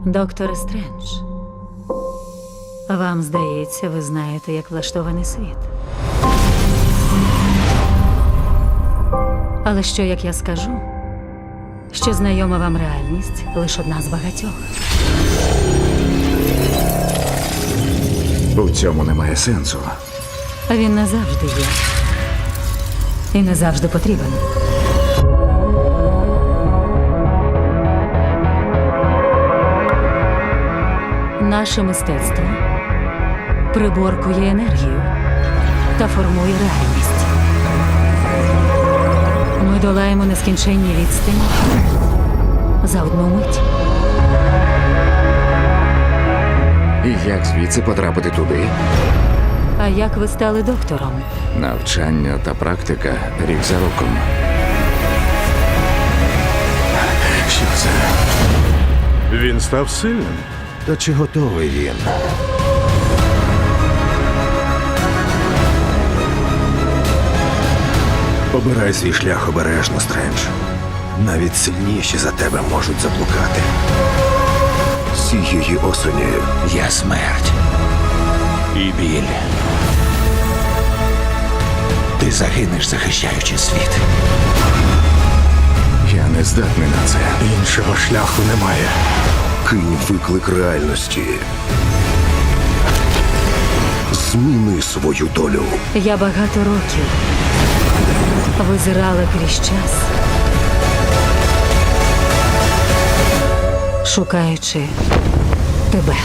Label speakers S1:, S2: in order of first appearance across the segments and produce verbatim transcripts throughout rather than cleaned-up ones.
S1: Доктор Стрендж, вам здається, ви знаєте, як влаштований світ. Але що, як я скажу, що знайома вам реальність лише одна з багатьох.
S2: У цьому немає сенсу.
S1: А він не завжди є. І не завжди потрібен. Наше мистецтво приборкує енергію та формує реальність. Ми долаємо нескінченні відстані за одну мить.
S2: І як звідси потрапити туди?
S1: А як ви стали доктором?
S2: Навчання та практика рік за роком. Що це?
S3: Він став сильним.
S4: Та чи готовий він? Обирай свій шлях обережно, Стрендж. Навіть сильніші за тебе можуть заблукати. Цієї осені я смерть. І біль. Ти загинеш, захищаючи світ.
S2: Я не здатний на це.
S4: Іншого шляху немає. Кинь виклик реальності. Зміни свою долю.
S1: Я багато років визирала крізь час, шукаючи тебе.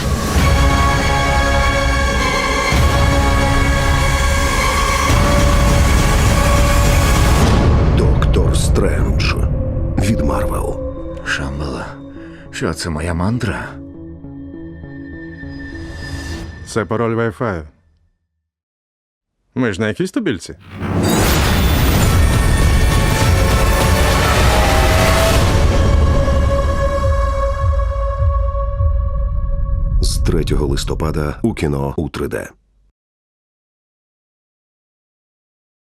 S4: Доктор Стрендж від Марвел.
S2: Шамбала. Що це, моя мантра?
S3: Це пароль Wi-Fi. Ми ж на якійсь тубільці.
S4: З третього листопада у кіно у три де.